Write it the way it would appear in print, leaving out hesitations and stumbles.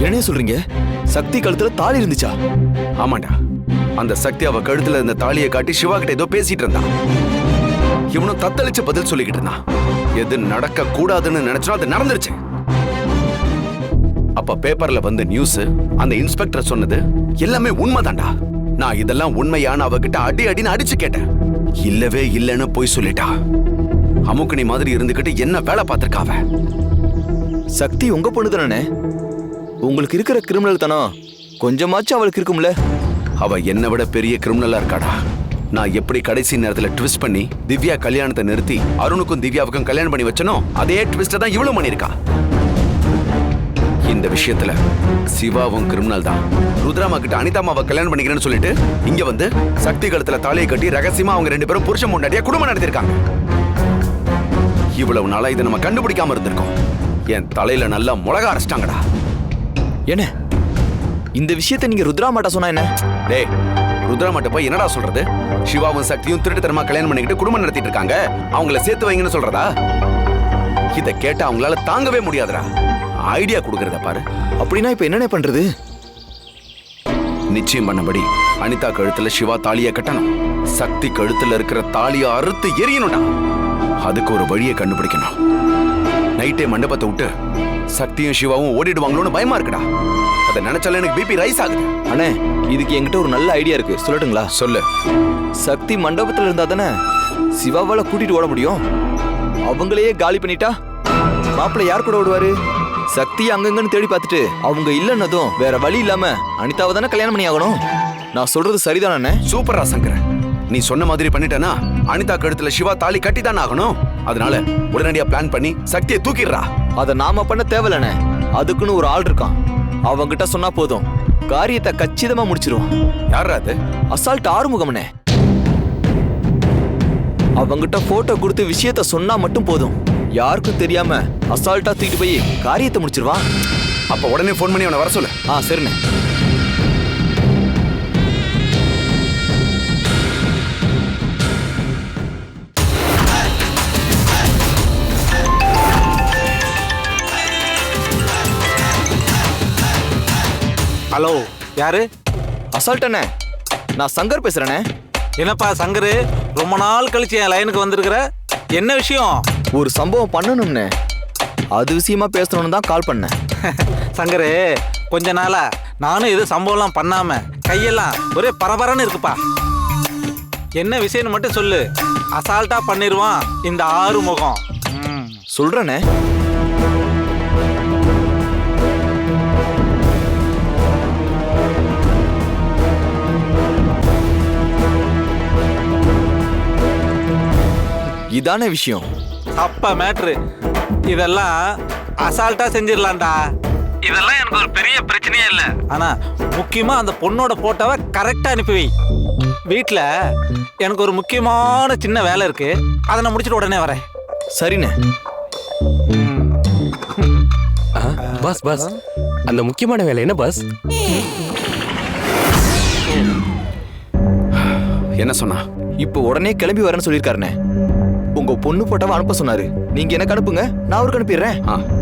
என்ன சொல்றீங்க? சக்தி கழுத்துல தாலி இருந்துச்சா? ஆமாண்டா, அந்த சக்தி அவ கழுத்துல இருந்த தாலியை காட்டி சிவா கிட்ட ஏதோ பேசிட்டு இருந்தான். இவனும் தத்தளிச்சு பதில் சொல்லிக்கிட்டு இருந்தான். எது நடக்க கூடாதுன்னு நினைச்சோ அது நடந்துருச்சு. அப்ப பேப்பர்ல வந்த நியூஸ், அந்த இன்ஸ்பெக்டர் சொன்னது எல்லாமே உண்மைதான்டா. நான் இதெல்லாம் உண்மையான அவகிட்ட அடின்னு அடிச்சு கேட்டேன். இல்லவே இல்லைன்னு போய் சொல்லிட்டா. அமுக்கணி மாதிரி இருந்துகிட்டு என்ன வேலை பார்த்திருக்காவ. சக்தி உங்க பொண்ணு தானே? உங்களுக்கு இருக்கிற கிரிமினல் தனம் கொஞ்சமாச்சும் அவளுக்கு இருக்கும்ல? அவ என்னை விட பெரிய கிரிமினலா இருக்காடா. நான் எப்படி கடைசி நேரத்துல ட்விஸ்ட் பண்ணி திவ்யா கல்யாணத்தை நிறுத்தி அருணுக்கும் திவ்யாவுக்கும் கல்யாணம் பண்ணி வச்சனோ அதே ட்விஸ்ட தான் இவ்வளவு பண்ணிருக்கா. இந்த விஷயத்துல சிவாவும் கிரிமினல் தான். ருத்ராமா கிட்ட அனிதாமாவை கல்யாணம் பண்ணிக்கிறேன்னு சொல்லிட்டு இங்க வந்து சக்தி கழுத்துல தாலியை கட்டி ரகசியமா அவங்க 2 பேரும் புருஷன் முன்னாடியா குடும்பம் நடத்திருக்காங்க. இவ்வளவு நாளா இதை நம்ம கண்டுபிடிக்காம இருந்திருக்கோம். என் தலையில நல்லா முளகா அரைச்சிட்டாங்கடா. என்ன இந்த விஷயத்தை நீங்க ருத்ராமாட்ட சொன்னா என்ன? டேய், ருத்ராமாட்ட போய் என்னடா சொல்றது? சிவாவும் சக்தியும் திருட்டுத்தனமா கல்யாணம் பண்ணிக்கிட்டு குடும்பம் நடத்திட்டு இருக்காங்க, அவங்கள சேர்த்து வைங்கன்னு சொல்றதா? இதை கேட்ட அவங்களால தாங்கவே முடியாதுடா. ஐடியா கொடுக்கறத பாரு. அப்படின்னா இப்ப என்னென்ன பண்றது? நிச்சயம் பண்ணபடி அனிதா கழுத்துல சிவா தாலியை கட்டணும். சக்தி கழுத்துல இருக்கிற தாலியை அறுத்து எரியணும்டா. அதுக்கு ஒரு வழியை கண்டுபிடிக்கணும். நைட்டே மண்டபத்தை விட்டு சக்தியும் சிவாவும் ஓடிடுவாங்களோன்னு பயமா இருக்குடா. அதை நினைச்சால எனக்கு பிபி ரைஸ் ஆகுது. அண்ணே, இதுக்கு என்கிட்ட ஒரு நல்ல ஐடியா இருக்கு, சொல்லட்டுங்களா? சொல்லு. சக்தி மண்டபத்துல இருந்தா தானே சிவாவால கூட்டிட்டு ஓட முடியும். அவங்களையே காலி பண்ணிட்டா மாப்பிள்ளை யார் கூட ஓடுவாரு? சக்தி அங்கங்கன்னு தேடி பார்த்துட்டு அவங்க இல்லைன்னதும் வேற வழி இல்லாம அனிதாவை தானே கல்யாணம் பண்ணி ஆகணும். நான் சொல்றது சரிதானே? சூப்பரா சங்கர, நீ சொன்ன மாதிரி பண்ணிட்டேனா அனிதா கழுத்துல சிவா தாலி கட்டி தானே ஆகணும். அதனால உடனடியா பிளான் பண்ணி சக்தியை தூக்கிடுறா. அதை நாம பண்ண தேவையில்லண்ணே. அதுக்குன்னு ஒரு ஆள் இருக்கான். அவங்கிட்ட சொன்னா போதும், காரியத்தை கச்சிதமா முடிச்சிருவான். யாரா அது? அசால்ட் ஆறுமுகம்னே. அவங்கிட்ட போட்டோ கொடுத்து விஷயத்த சொன்னா மட்டும் போதும், யாருக்கும் தெரியாம அசால்ட்டா தூக்கிட்டு போய் காரியத்தை முடிச்சிருவான். அப்ப உடனே போன் பண்ணி அவனை வர சொல்லு. சரிண்ணே. ஹலோ, யாரு? அசால்ட் அண்ணே, நான் சங்கர் பேசுறேனே. என்னப்பா சங்கரு, ரொம்ப நாள் கழிச்சு என் லைனுக்கு வந்திருக்கிற, என்ன விஷயம்? ஒரு சம்பவம் பண்ணணும்னே, அது விஷயமா பேசணும்னு தான் கால் பண்ணேன். சங்கரு, கொஞ்ச நாளா நானும் எது சம்பவம்லாம் பண்ணாம கையெல்லாம் ஒரே பரபரன்னு இருக்குப்பா. என்ன விஷயம்னு மட்டும் சொல்லு, அசால்ட்டா பண்ணிடுவான் இந்த ஆறுமுகம். சொல்றேனே. இதான விஷயம். அப்ப மேட்ரு இதெல்லாம் அசால்ட்டா செஞ்சிடலாம்டா. இதெல்லாம் எனக்கு ஒரு பெரிய பிரச்சனையே இல்லை. ஆனா முக்கியமா அந்த பொண்ணோட போட்டோவை கரெக்டா அனுப்பி வை. வீட்டுல எனக்கு ஒரு முக்கியமான சின்ன வேலை இருக்கு, அதை நான் முடிச்சுட்டு உடனே வரேன். சரிண்ணே. பாஸ் பாஸ், அந்த முக்கியமான வேலை என்ன பாஸ்? என்ன சொன்னா? இப்போ உடனே கிளம்பி வரேன்னு சொல்லியிருக்காருண்ணே. உங்க பொண்ணு போட்டோவை அனுப்ப சொன்னாரு. நீங்க எனக்கு அனுப்புங்க, நான் அவருக்கு அனுப்பிடுறேன்.